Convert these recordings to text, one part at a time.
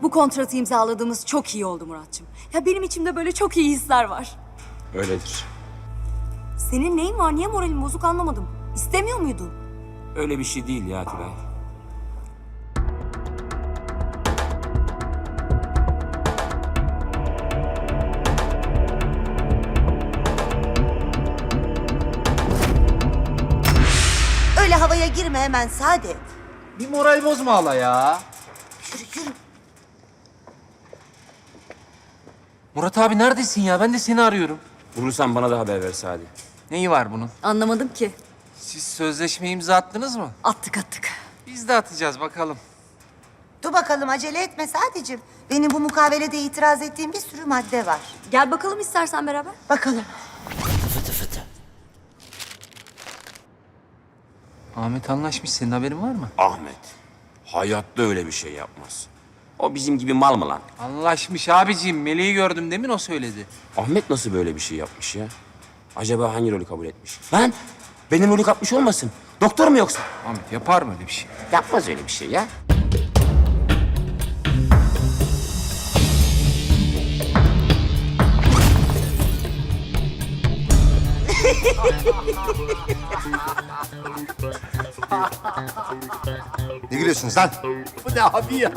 Bu kontratı imzaladığımız çok iyi oldu Muratçım. Ya benim içimde böyle çok iyi hisler var. Öyledir. Senin neyin var? Niye moralin bozuk anlamadım. İstemiyor muydun? Öyle bir şey değil ya Tülay. Öyle havaya girme hemen Saadet. Bir moral bozma hala ya. Yürü yürü. Murat abi neredesin ya? Ben de seni arıyorum. Bulursan bana da haber ver Sadi. Neyi var bunun? Anlamadım ki. Siz sözleşme imza attınız mı? Attık. Biz de atacağız bakalım. Dur bakalım acele etme Saadet'ciğim. Benim bu mukavelede itiraz ettiğim bir sürü madde var. Gel bakalım istersen beraber. Bakalım. Ahmet anlaşmış. Senin haberin var mı? Ahmet. Hayatta öyle bir şey yapmaz. O bizim gibi mal mı lan? Anlaşmış abiciğim. Meleği gördüm demin o söyledi. Ahmet nasıl böyle bir şey yapmış ya? Acaba hangi rolü kabul etmiş? Lan benim rolü kapmış olmasın. Doktor mu yoksa? Ahmet yapar mı öyle bir şey? Yapmaz öyle bir şey ya. Ne gülüyorsunuz lan? Bu ne abi ya?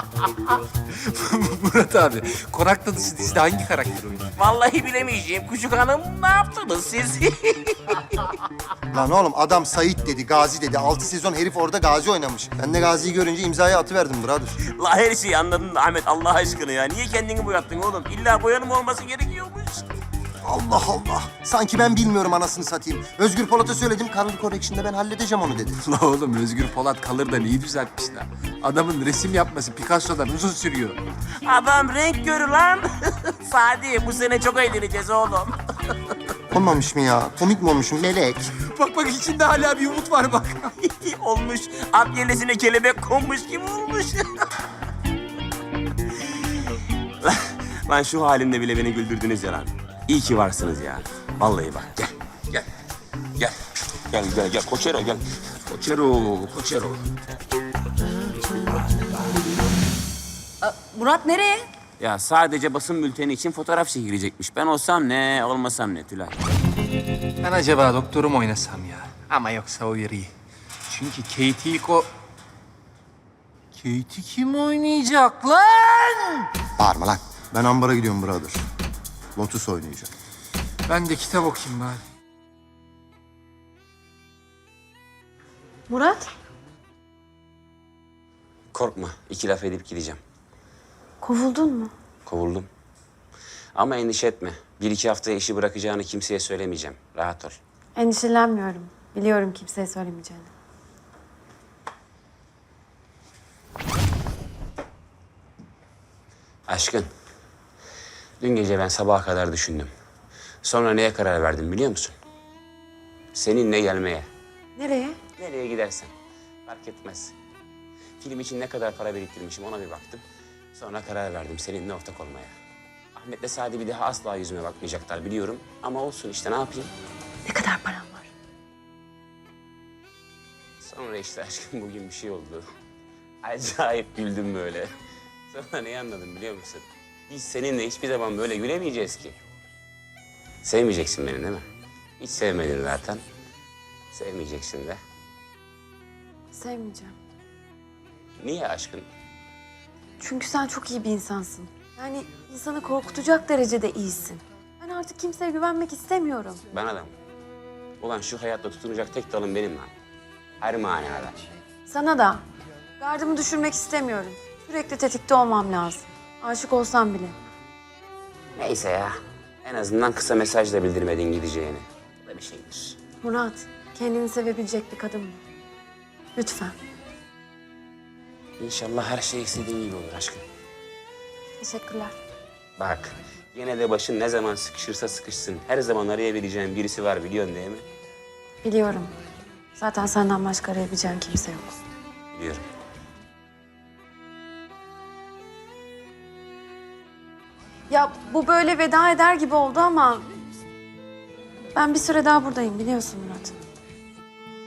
Murat abi, Konak Dadısı dizide hangi karakter oynuyor? Vallahi bilemeyeceğim. Küçük hanım ne yaptınız siz? Lan oğlum adam Sait dedi, Gazi dedi. 6 sezon herif orada Gazi oynamış. Ben de Gazi'yi görünce imzayı atıverdim brother. La her şeyi anladın da Ahmet Allah aşkına ya. Niye kendini boyattın oğlum? İlla boyanım olması gerekiyormuş. Allah Allah. Sanki ben bilmiyorum anasını satayım. Özgür Polat'a söyledim, Color Correction'da ben halledeceğim onu dedi. La oğlum Özgür Polat kalır da neyi düzeltmişler? Adamın resim yapması Picasso'dan uzun sürüyor. Adam renk görü lan. Sadi bu sene çok eğleneceğiz oğlum. Olmamış mı ya? Komik mi olmuşum melek? Bak içinde hala bir umut var bak. Olmuş. At yelesine kelebek konmuş gibi olmuş. Lan şu halimde bile beni güldürdünüz ya lan. İyi ki varsınız ya. Vallahi bak gel. Gel. Koçero gel. Koçero. Murat nereye? Ya sadece basın bülteni için fotoğraf çekilecekmiş. Ben olsam ne, olmasam ne Tülay. Ben acaba doktorum oynasam ya. Ama yoksa o yeri. Çünkü Katie ilk o... Katie kim oynayacak lan? Bağırma lan. Ben ambara gidiyorum brother. Lotus oynayacağım. Ben de kitap okuyayım bari. Murat, Korkma, 2 laf edip gideceğim. kovuldun mu? Kovuldum. Ama endişe etme. 1-2 haftaya işi bırakacağını kimseye söylemeyeceğim. Rahat ol. Endişelenmiyorum. Biliyorum kimseye söylemeyeceğini. Aşkın, dün gece ben sabaha kadar düşündüm. Sonra neye karar verdim biliyor musun? Seninle gelmeye. Nereye? Nereye gidersen. Fark etmez. Film için ne kadar para biriktirmişim ona bir baktım. Sonra karar verdim seninle ortak olmaya. Ahmet'le Sadi bir daha asla yüzüme bakmayacaklar biliyorum. Ama olsun işte ne yapayım? Ne kadar param var? Sonra işte aşkım bugün bir şey oldu. Acayip güldüm böyle. Sonra neyi anladım biliyor musun? Biz seninle hiçbir zaman böyle gülemeyeceğiz ki. Sevmeyeceksin beni değil mi? Hiç sevmedin zaten. Sevmeyeceksin de. Sevmeyeceğim. Niye aşkın? Çünkü sen çok iyi bir insansın. Yani insanı korkutacak derecede iyisin. Ben artık kimseye güvenmek istemiyorum. Bana da mı? Ulan şu hayatta tutunacak tek dalım benim lan. Her manada. Sana da. Gardımı düşürmek istemiyorum. Sürekli tetikte olmam lazım. Aşık olsam bile. Neyse ya. En azından kısa mesajla bildirmedin gideceğini. Bu da bir şeydir. Murat, kendini sevebilecek bir kadın mı? Lütfen. İnşallah her şey istediğin gibi olur aşkım. Teşekkürler. Bak, yine de başın ne zaman sıkışırsa sıkışsın. Her zaman arayabileceğin birisi var biliyorsun değil mi? Biliyorum. Zaten senden başka arayabileceğin kimse yok. Biliyorum. Ya bu böyle veda eder gibi oldu ama... ben bir süre daha buradayım biliyorsun Murat.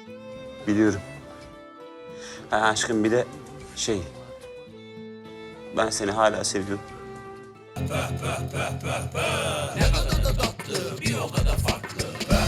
Biliyorum. Ha aşkım bir de Ben seni hala seviyorum. Bir o kadar farklı.